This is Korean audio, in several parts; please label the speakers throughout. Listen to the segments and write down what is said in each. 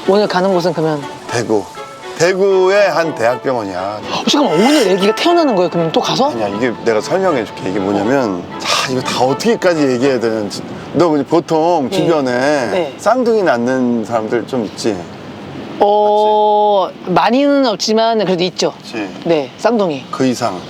Speaker 1: 오늘 가는 곳은 그러면
Speaker 2: 대구. 대구의 한 대학병원이야.
Speaker 1: 잠깐만 오늘 아기가 태어나는 거예요? 그럼 또 가서?
Speaker 2: 아니야, 이게 내가 설명해 줄게. 이게 뭐냐면, 이거 다 어떻게까지 얘기해야 되는지. 너 보통 주변에
Speaker 1: 네.
Speaker 2: 쌍둥이 낳는 사람들 좀 있지?
Speaker 1: 많이는 없지만 그래도 있죠.
Speaker 2: 그치?
Speaker 1: 네, 쌍둥이.
Speaker 2: 그 이상.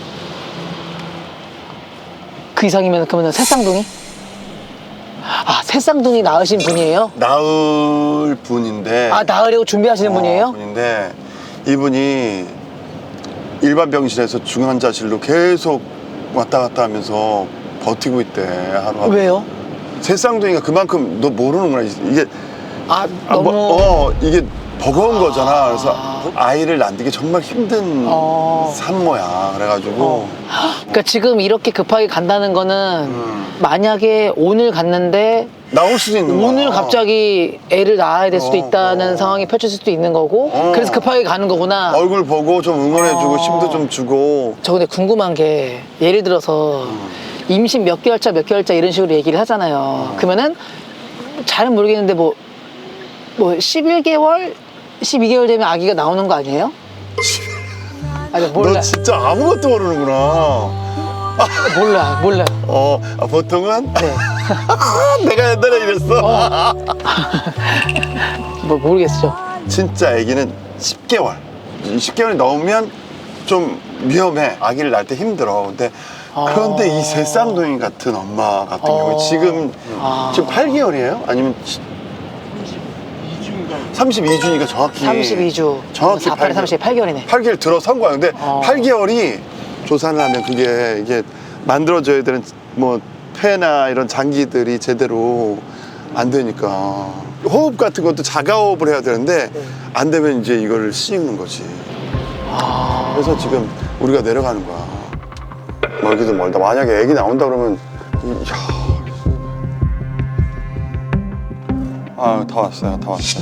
Speaker 1: 그 이상이면 그러면 새 쌍둥이? 아, 새 쌍둥이 낳으신 분이에요?
Speaker 2: 낳을 분인데.
Speaker 1: 아, 낳으려고 준비하시는 분이에요?
Speaker 2: 분인데, 이분이 일반 병실에서 중환자실로 계속 왔다 갔다 하면서 버티고 있대, 하루하루.
Speaker 1: 왜요?
Speaker 2: 새 쌍둥이가 그만큼 너 모르는구나. 이게
Speaker 1: 너무
Speaker 2: 이게 버거운 거잖아. 그래서 아이를 낳는 게 정말 힘든 산모야. 그래가지고
Speaker 1: 그러니까 지금 이렇게 급하게 간다는 거는 만약에 오늘 갔는데
Speaker 2: 나올 수도 있는 거야.
Speaker 1: 오늘 갑자기 애를 낳아야 될 수도 있다는 상황이 펼쳐질 수도 있는 거고 그래서 급하게 가는 거구나.
Speaker 2: 얼굴 보고 좀 응원해주고 힘도 좀 주고.
Speaker 1: 저 근데 궁금한 게 예를 들어서 임신 몇 개월 차 몇 개월 차 이런 식으로 얘기를 하잖아요. 그러면은 잘은 모르겠는데 뭐 11개월? 12개월 되면 아기가 나오는 거 아니에요? 아니 몰라.
Speaker 2: 너 진짜 아무것도 모르는구나.
Speaker 1: 몰라요.
Speaker 2: 보통은
Speaker 1: 네.
Speaker 2: 내가 옛날에 이랬어.
Speaker 1: 뭐 모르겠죠.
Speaker 2: 진짜 아기는 10개월. 10개월이 넘으면 좀 위험해. 아기를 낳을 때 힘들어. 그런데 이 새 쌍둥이 같은 엄마 같은 경우에 지금 8개월이에요? 아니면 32주니까 정확히
Speaker 1: 32주.
Speaker 2: 정확히
Speaker 1: 48에 38개월이네.
Speaker 2: 8개월 들어선 거야. 근데 8개월이 조산을 하면 이게 만들어져야 되는 뭐 폐나 이런 장기들이 제대로 안 되니까 호흡 같은 것도 자가호흡을 해야 되는데 안 되면 이제 이걸 씌우는 거지. 그래서 지금 우리가 내려가는 거야. 멀기도 멀다. 만약에 애기 나온다 그러면 다 왔어요.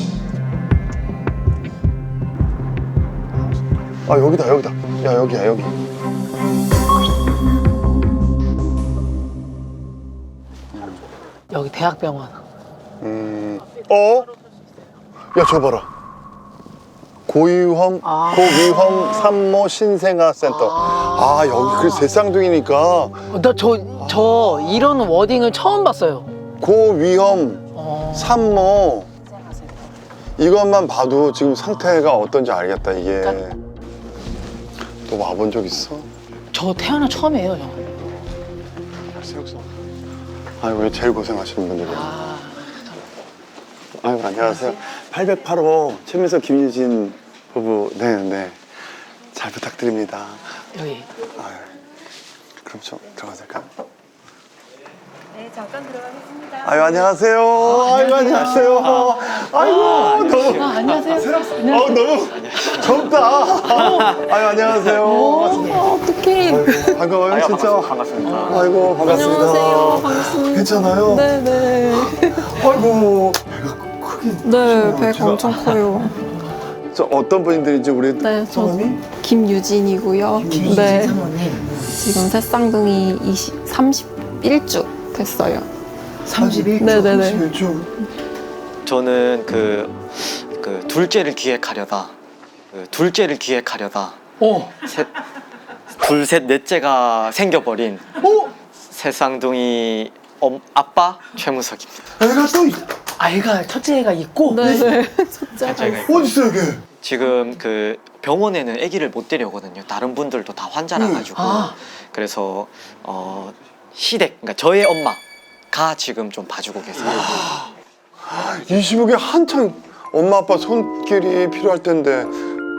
Speaker 2: 여기다. 야, 여기야, 여기.
Speaker 1: 여기 대학병원.
Speaker 2: 야, 저 봐라. 고위험 산모 신생아 센터. 여기 그래서 새 쌍둥이니까
Speaker 1: 나 저 이런 워딩을 처음 봤어요.
Speaker 2: 고위험 산모. 이것만 봐도 지금 상태가 어떤지 알겠다, 이게. 너 와본 적 있어?
Speaker 1: 저 태어나 처음이에요, 형.
Speaker 2: 왜 제일 고생하시는 분들이야. 안녕하세요. 808호 최민석 김유진 부부. 네. 잘 부탁드립니다.
Speaker 1: 여기.
Speaker 2: 그럼 좀 들어가도 될까요?
Speaker 3: 네, 잠깐 들어가겠습니다.
Speaker 2: 안녕하세요. 안녕하세요. 너무.
Speaker 1: 안녕하세요.
Speaker 2: 너무 젊다. 안녕하세요.
Speaker 3: 어떡해.
Speaker 2: 반가워요, 진짜.
Speaker 4: 반갑습니다.
Speaker 2: 아이고, 반갑습니다.
Speaker 3: 안녕하세요. 반갑습니다.
Speaker 2: 괜찮아요?
Speaker 3: 네네.
Speaker 2: 아이고, 배가 크긴.
Speaker 3: 네, 배가 엄청 커요.
Speaker 2: 저 어떤 분들인지 우리
Speaker 3: 네, 저
Speaker 2: 성함이?
Speaker 3: 김유진이고요. 네. 지금 새쌍둥이 31주 됐어요.
Speaker 1: 31주.
Speaker 3: 네네네.
Speaker 2: 31주.
Speaker 4: 저는 그 둘째를 기획하려다 둘, 셋, 넷째가 생겨버린 새쌍둥이 아빠 최무석입니다.
Speaker 2: 애가 또
Speaker 1: 아이가 첫째 애가 있고.
Speaker 3: 네네. 첫째가
Speaker 4: 제가
Speaker 3: 있어요.
Speaker 2: 어디 있어, 이게?
Speaker 4: 지금 그 병원에는 아기를 못 데려오거든요. 다른 분들도 다 환자라 가지고. 그래서 시댁, 그러니까 저의 엄마가 지금 좀 봐주고 계세요.
Speaker 2: 이 시국에 한창 엄마 아빠 손길이 필요할 텐데.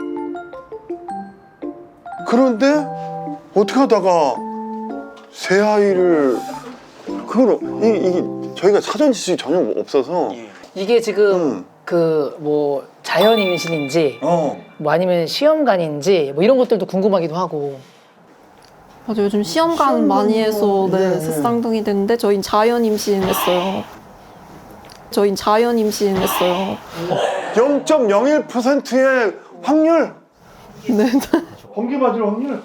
Speaker 2: 그런데 어떻게 하다가 새 아이를 이게 저희가 사전 지식이 전혀 없어서.
Speaker 1: 이게 지금 자연 임신인지 뭐 아니면 시험관인지 뭐 이런 것들도 궁금하기도 하고.
Speaker 3: 맞아, 요즘 시험관 많이 해서 네, 새쌍둥이 됐는데 저희는 자연 임신했어요.
Speaker 2: 0.01%의 확률.
Speaker 3: 네.
Speaker 2: 번개 맞을 확률.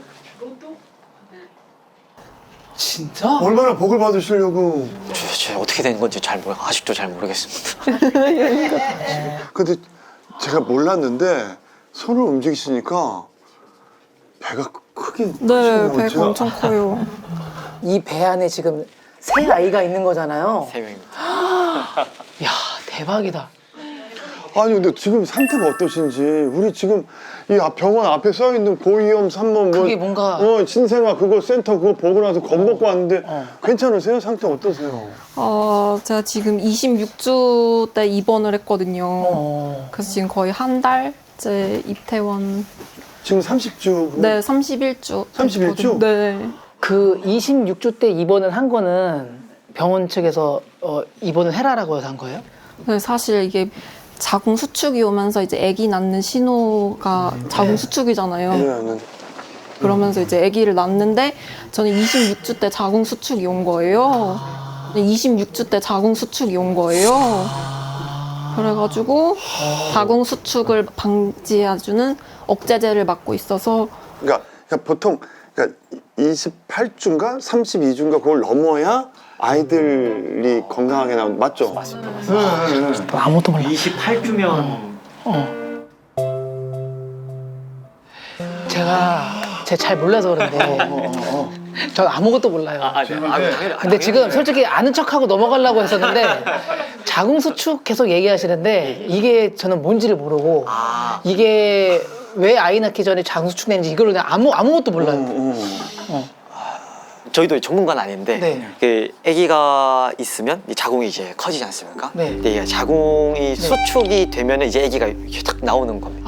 Speaker 1: 진짜?
Speaker 2: 얼마나 복을 받으시려고.
Speaker 4: 도대체 어떻게 된 건지 아직도 잘 모르겠습니다.
Speaker 2: 근데 제가 몰랐는데 손을 움직이시니까 배가 크긴
Speaker 3: 네,
Speaker 2: 하시네요.
Speaker 3: 배가
Speaker 2: 제가-
Speaker 3: 엄청 커요.
Speaker 1: 이 배 안에 지금 새 아이가 있는 거잖아요.
Speaker 4: 3명입니다.
Speaker 1: 야 대박이다.
Speaker 2: 아니 근데 지금 상태가 어떠신지 우리 지금 이 병원 앞에 써 있는 고위험 산모
Speaker 1: 그게 뭔가-
Speaker 2: 신생아 그거 센터 그거 보고 나서 겁먹고 왔는데 괜찮으세요? 상태 어떠세요?
Speaker 3: 제가 지금 26주 때 입원을 했거든요.
Speaker 1: 어.
Speaker 3: 그래서 지금 거의 한 달째 입퇴원.
Speaker 2: 지금 30주
Speaker 3: 네, 31주.
Speaker 2: 31주?
Speaker 3: 네.
Speaker 1: 그 26주 때 입원을 한 거는 병원 측에서 입원을 해라라고 해서 한 거예요?
Speaker 3: 네, 사실 이게 자궁 수축이 오면서 이제 아기 낳는 신호가 자궁 수축이잖아요.
Speaker 2: 왜냐면
Speaker 3: 그러면서 이제 아기를 낳는데 저는 26주 때 자궁 수축이 온 거예요. 26주 때 자궁 수축이 온 거예요. 그래가지고 자궁 수축을 방지해주는 억제제를 맞고 있어서
Speaker 2: 그러니까 보통 그러니까 28주인가 32주인가 그걸 넘어야 아이들이 건강하게 나온 맞죠?
Speaker 1: 아무것도 몰라.
Speaker 4: 28주면
Speaker 1: 제가 잘 몰라서 그런데 전 아무것도 몰라요.
Speaker 4: 당연히.
Speaker 1: 근데 지금 솔직히 아는 척하고 넘어가려고 했었는데 자궁수축 계속 얘기하시는데 이게 저는 뭔지를 모르고 이게 왜 아이 낳기 전에 자궁수축 되는지 이걸 그냥 아무것도 몰라요.
Speaker 4: 저희도 전문가는 아닌데
Speaker 1: 네.
Speaker 4: 그 아기가 있으면 이 자궁이 이제 커지지 않습니까?
Speaker 1: 네.
Speaker 4: 근데 이게 자궁이 수축이 되면 이제 아기가 이렇게 탁 나오는 겁니다.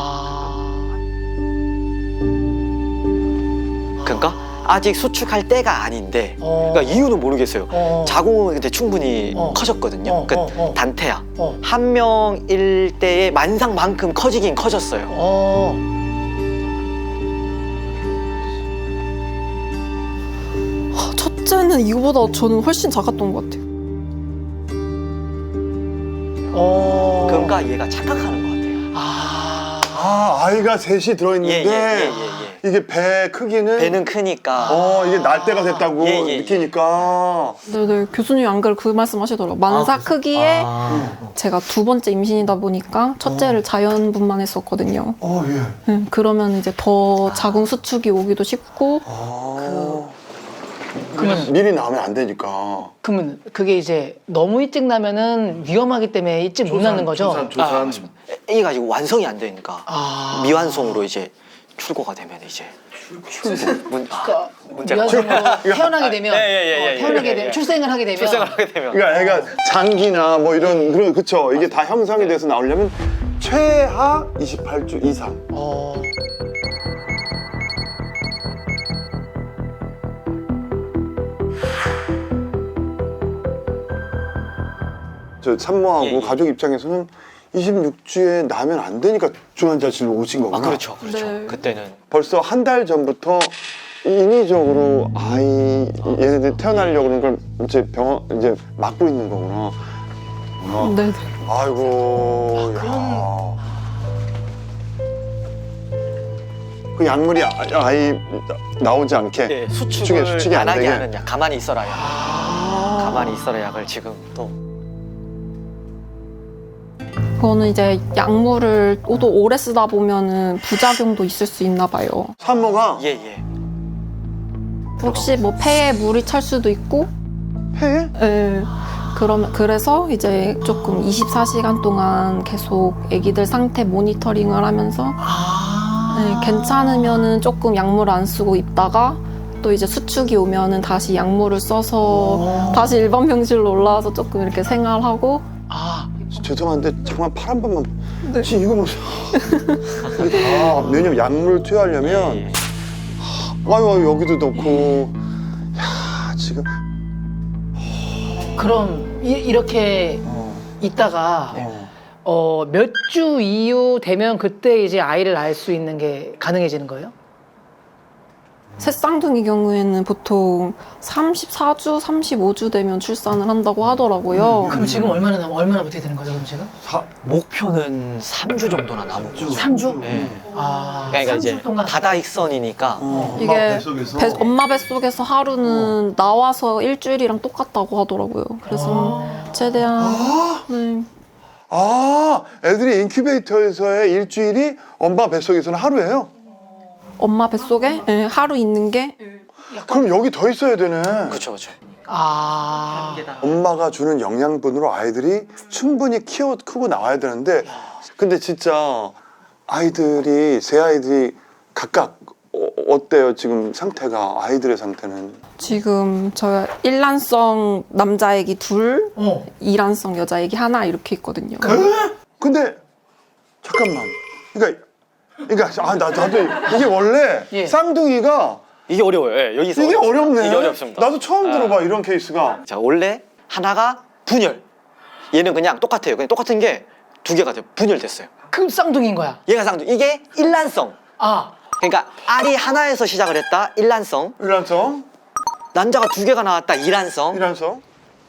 Speaker 4: 그러니까 아직 수축할 때가 아닌데 그러니까 이유는 모르겠어요. 자궁은 근데 충분히 커졌거든요. 그러니까 단태야. 한 명일 때의 만상만큼 커지긴 커졌어요.
Speaker 3: 첫째는 이거보다 저는 훨씬 작았던 것 같아요.
Speaker 4: 그러니까 얘가 착각하는 것 같아요.
Speaker 2: 아이가 셋이 들어있는데
Speaker 4: 예.
Speaker 2: 이게 배 크기는
Speaker 4: 배는 크니까
Speaker 2: 이게 날 때가 됐다고
Speaker 4: 예.
Speaker 3: 아.
Speaker 2: 느끼니까
Speaker 3: 네네, 교수님이 안 그래도 그 말씀 하시더라고요. 만사 크기에 제가 두 번째 임신이다 보니까 첫째를 자연분만 했었거든요.
Speaker 2: 예.
Speaker 3: 그러면 이제 더 자궁 수축이 오기도 쉽고
Speaker 1: 그러면
Speaker 2: 미리 나오면 안 되니까
Speaker 1: 그러면 그게 이제 너무 일찍 나면은 위험하기 때문에 일찍 못 낳는 거죠?
Speaker 2: 조산.
Speaker 4: 아기가 지금 완성이 안 되니까
Speaker 1: 아.
Speaker 4: 미완성으로 이제 출고가 되면 이제 문제가
Speaker 1: 미완성으로 태어나게 되면
Speaker 4: 예.
Speaker 1: 태어나게 되면 출생을 하게 되면
Speaker 4: 출생을 하게 되면
Speaker 2: 그러니까 애가 장기나 뭐 이런 그런 그쵸 이게 다 형성이 돼서 나오려면 최하 28주 이상. 저 산모하고
Speaker 4: 예.
Speaker 2: 가족 입장에서는 26주에 나면 안 되니까 중환자실로 오신 거구나.
Speaker 4: 그렇죠.
Speaker 3: 네.
Speaker 4: 그때는
Speaker 2: 벌써 한 달 전부터 인위적으로 아이 얘네들 태어나려고 그런 걸 이제 병원 이제 막고 있는 거구나.
Speaker 3: 네네.
Speaker 2: 아이고. 야. 그 약물이 아이 나오지 않게
Speaker 4: 네, 수축을
Speaker 2: 수축이
Speaker 4: 안
Speaker 2: 안
Speaker 4: 하게
Speaker 2: 되게.
Speaker 4: 하는 약, 가만히 있어라 약. 가만히 있어라 약을 지금 또
Speaker 3: 그거는 이제 약물을 또 오래 쓰다 보면은 부작용도 있을 수 있나 봐요.
Speaker 2: 산모가
Speaker 4: 예.
Speaker 3: 혹시 뭐 폐에 물이 찰 수도 있고,
Speaker 2: 폐에?
Speaker 3: 예. 그래서 이제 조금 24시간 동안 계속 아기들 상태 모니터링을 하면서 네, 괜찮으면은 조금 약물 안 쓰고 있다가 또 이제 수축이 오면은 다시 약물을 써서 다시 일반 병실로 올라와서 조금 이렇게 생활하고.
Speaker 2: 죄송한데 잠깐 팔 한 번만.
Speaker 3: 네.
Speaker 2: 지금 이거 뭐 이게 다 왜냐면 약물 투여하려면
Speaker 4: 예.
Speaker 2: 아유 여기도 넣고 야 지금
Speaker 1: 그럼 이렇게 있다가 몇 주 이후 되면 그때 이제 아이를 낳을 수 있는 게 가능해지는 거예요?
Speaker 3: 새쌍둥이 경우에는 보통 34주, 35주 되면 출산을 한다고 하더라고요.
Speaker 1: 그럼 지금 얼마나 버텨야 되는 거죠, 그럼 지금?
Speaker 4: 목표는 3주 정도나 남았죠.
Speaker 1: 3주?
Speaker 4: 네.
Speaker 1: 삼
Speaker 4: 그러니까
Speaker 1: 주
Speaker 4: 이제
Speaker 1: 동안.
Speaker 4: 다다익선이니까
Speaker 3: 이게 엄마 뱃속에서 하루는 나와서 일주일이랑 똑같다고 하더라고요. 그래서 최대한 네.
Speaker 2: 아, 애들이 인큐베이터에서의 일주일이 엄마 뱃속에서는 하루예요?
Speaker 3: 엄마 뱃속에 예, 하루 있는 게
Speaker 2: 그럼 여기 더 있어야 되네.
Speaker 4: 그렇죠, 그렇죠.
Speaker 1: 아.
Speaker 2: 엄마가 주는 영양분으로 아이들이 충분히 크고 나와야 되는데, 근데 진짜 아이들이, 세 아이들이 각각 어때요? 지금 상태가, 아이들의 상태는?
Speaker 3: 지금 저 일란성 남자 애기 둘, 이란성 여자 애기 하나 이렇게 있거든요.
Speaker 2: 근데 잠깐만, 그러니까 나도 이게 원래
Speaker 1: 예.
Speaker 2: 쌍둥이가
Speaker 4: 이게 어려워요. 예, 여기서
Speaker 2: 이게 어렵네.
Speaker 4: 이게 어렵습니다.
Speaker 2: 나도 처음 들어봐 이런 케이스가.
Speaker 4: 자, 원래 하나가 분열. 얘는 그냥 똑같아요. 그냥 똑같은 게 두 개가 돼요. 분열됐어요.
Speaker 1: 그럼 쌍둥이인 거야.
Speaker 4: 얘가 쌍둥이. 이게 일란성.
Speaker 1: 아.
Speaker 4: 그러니까 알이 하나에서 시작을 했다. 일란성.
Speaker 2: 일란성,
Speaker 4: 난자가 두 개가 나왔다. 이란성.
Speaker 2: 일란성.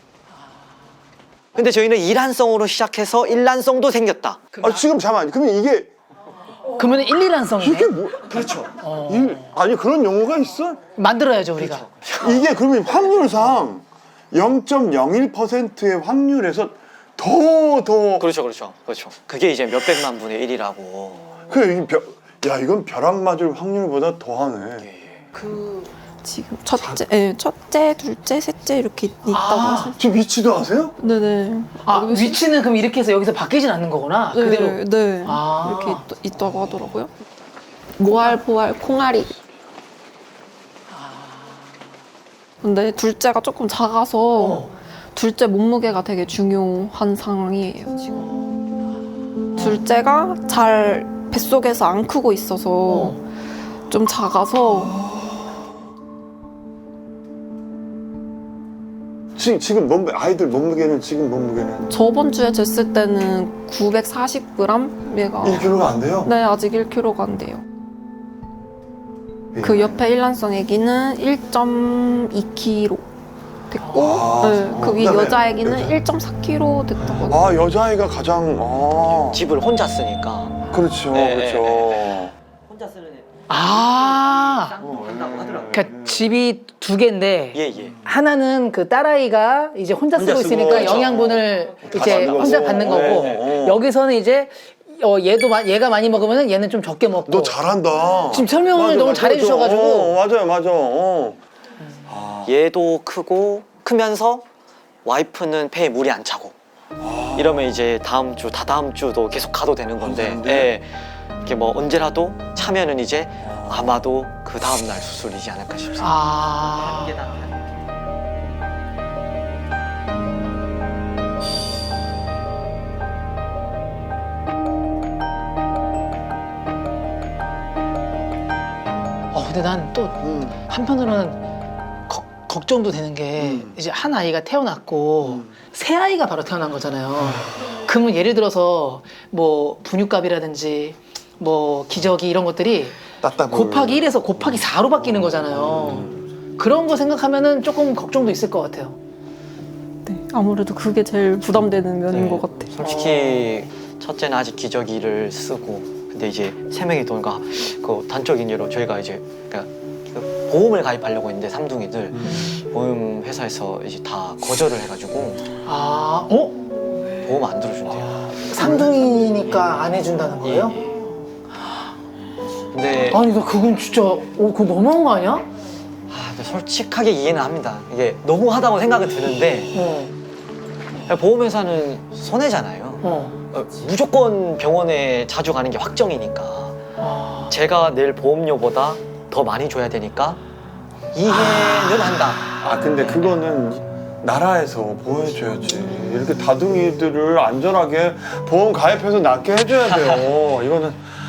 Speaker 4: 근데 저희는 이란성으로 시작해서 일란성도 생겼다.
Speaker 2: 아 지금 잠깐. 그러면 이게
Speaker 1: 그러면 1, 2란성이네.
Speaker 2: 이게 뭐? 그렇죠. 아니 그런 용어가 있어?
Speaker 1: 만들어야죠, 우리가.
Speaker 2: 이게 그러면 확률상 0.01%의 확률에서 더
Speaker 4: 그렇죠, 그렇죠, 그렇죠. 그게 이제 몇 백만 분의 1이라고.
Speaker 2: 그래 이건 벼락 맞을 확률보다 더하네.
Speaker 3: 지금 첫째, 둘째, 셋째 이렇게 있다고 하셨어요.
Speaker 2: 지금 위치도 아세요?
Speaker 3: 네네.
Speaker 1: 아, 위치는 그럼 이렇게 해서 여기서 바뀌진 않는 거구나.
Speaker 3: 네,
Speaker 1: 그대로.
Speaker 3: 네.
Speaker 1: 아.
Speaker 3: 이렇게 있다고 하더라고요. 모알, 보알, 콩알이. 근데 둘째가 조금 작아서 둘째 몸무게가 되게 중요한 상황이에요, 지금. 둘째가 잘 뱃속에서 안 크고 있어서 좀 작아서
Speaker 2: 지금 아이들 몸무게는 지금 몸무게는
Speaker 3: 저번 주에 쟀을 때는 940g 얘가
Speaker 2: 1kg가 안 돼요?
Speaker 3: 네, 아직 1kg가 안 돼요. 그 옆에 일란성 애기는 1.2kg 됐고 그 위
Speaker 2: 그다음에
Speaker 3: 여자 애기는 1.4kg 됐다고 하더라고요.
Speaker 2: 아 여자아이가 가장
Speaker 4: 집을 혼자 쓰니까.
Speaker 2: 그렇죠.
Speaker 4: 네,
Speaker 2: 그렇죠.
Speaker 4: 혼자 쓰는 애.
Speaker 1: 아.
Speaker 4: 한다고 하더라고요.
Speaker 1: 그러니까 집이 두 개인데
Speaker 4: 예, 예.
Speaker 1: 하나는 그 딸아이가 이제 혼자 쓰고
Speaker 2: 쓰고,
Speaker 1: 있으니까
Speaker 2: 그렇죠.
Speaker 1: 영양분을 이제
Speaker 2: 받는 거고.
Speaker 1: 혼자 받는 거고
Speaker 2: 네.
Speaker 1: 여기서는 이제 얘가 많이 먹으면 얘는 좀 적게 먹고.
Speaker 2: 너 잘한다.
Speaker 1: 지금 설명을 너무 잘해주셔가지고.
Speaker 2: 맞아요.
Speaker 4: 얘도 크면서 와이프는 폐에 물이 안 차고. 이러면 이제 다음 주, 다다음 주도 계속 가도 되는 건데. 예. 이게 뭐 언제라도 차면은 이제 아마도 그 다음 날 수술이지 않을까 싶습니다.
Speaker 1: 아. 근데 난 또 한편으로는 걱정도 되는 게 이제 한 아이가 태어났고 새 아이가 바로 태어난 거잖아요. 그러면 예를 들어서 뭐 분유값이라든지 뭐 기저귀 이런 것들이 곱하기 1에서 곱하기 4로 바뀌는 거잖아요. 그런 거 생각하면은 조금 걱정도 있을 것 같아요.
Speaker 3: 네, 아무래도 그게 제일 부담되는 면인
Speaker 4: 네.
Speaker 3: 것 같아요.
Speaker 4: 솔직히 첫째는 아직 기저귀를 쓰고, 근데 이제 세 명이 도니까 그 단적인 예로 저희가 이제 그러니까 그 보험을 가입하려고 했는데 삼둥이들 보험 회사에서 이제 다 거절을 해가지고 보험 안 들어준대요.
Speaker 1: 삼둥이니까 안 해준다는 거예요?
Speaker 4: 예. 근데
Speaker 1: 아니 나 그건 진짜 그거 너무한 거 아니야?
Speaker 4: 근데 솔직하게 이해는 합니다. 이게 너무하다고 생각은 드는데 보험회사는 손해잖아요. 무조건 병원에 자주 가는 게 확정이니까 제가 낼 보험료보다 더 많이 줘야 되니까 이해는 한다.
Speaker 2: 근데 그거는 나라에서 보호해줘야지. 이렇게 다둥이들을 안전하게 보험 가입해서 낫게 해줘야 돼요. 이거는